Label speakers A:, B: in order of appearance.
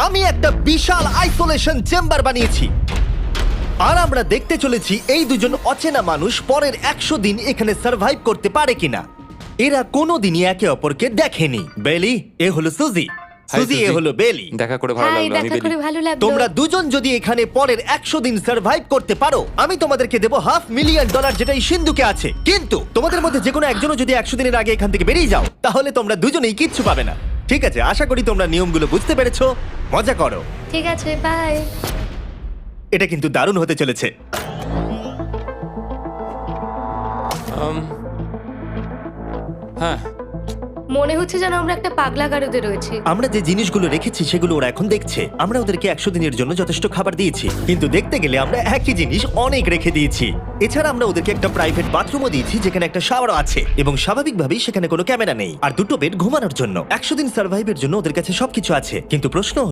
A: আমি একটা বিশাল isolation chamber বানিয়েছি আর আমরা দেখতে চলেছি এই দুজন অচেনা মানুষ পরের 100 দিন এখানে সার্ভাইভ করতে পারে কিনা। এরা কোনোদিনই একে অপরকে দেখেনি। বেলি, এ হলো সুজি। সুজি, এ
B: সুজি।
A: হলো বেলি।
B: দেখা করে ভালো
C: হাই,
B: লাগলো। আমি
C: দেখা করে
B: বেলি।
C: ভালো লাগলো।
A: তোমরা দুজন যদি এখানে পরের 100 দিন সার্ভাইভ করতে পারো, আমি তোমাদেরকে দেবো $500,000 যেটা এই সিন্ধুকে আছে। কিন্তু তোমাদের মধ্যে যে কোনো একজনও যদি 100 দিনের আগে এখান থেকে বেরিয়ে যাও, তাহলে তোমরা দুজনেই কিচ্ছু পাবে না। ঠিক আছে, আশা করি তোমরা নিয়মগুলো বুঝতে পেরেছো। মজা করো।
C: ঠিক আছে, বাই।
A: এটা কিন্তু দারুণ হতে চলেছে।
B: হ্যাঁ,
C: মনে হচ্ছে যেন আমরা একটা পাগলা গারদে রয়েছি।
A: আমরা যে জিনিসগুলো রেখেছি সেগুলো ওরা এখন দেখছে। আমরা ওদেরকে 100 দিনের জন্য যথেষ্ট খাবার দিয়েছি, কিন্তু দেখতে গেলে আমরা একই জিনিস অনেক রেখে দিয়েছি। এছাড়া আমরা ওদেরকে একটা প্রাইভেট বাথরুমও দিয়েছি যেখানে একটা শাওয়ারও আছে, এবং স্বাভাবিকভাবেই সেখানে কোনো ক্যামেরা নেই, আর দুটো বেড ঘুমানোর জন্য। 100 দিন সার্ভাইভের জন্য ওদের কাছে সবকিছু আছে, কিন্তু প্রশ্ন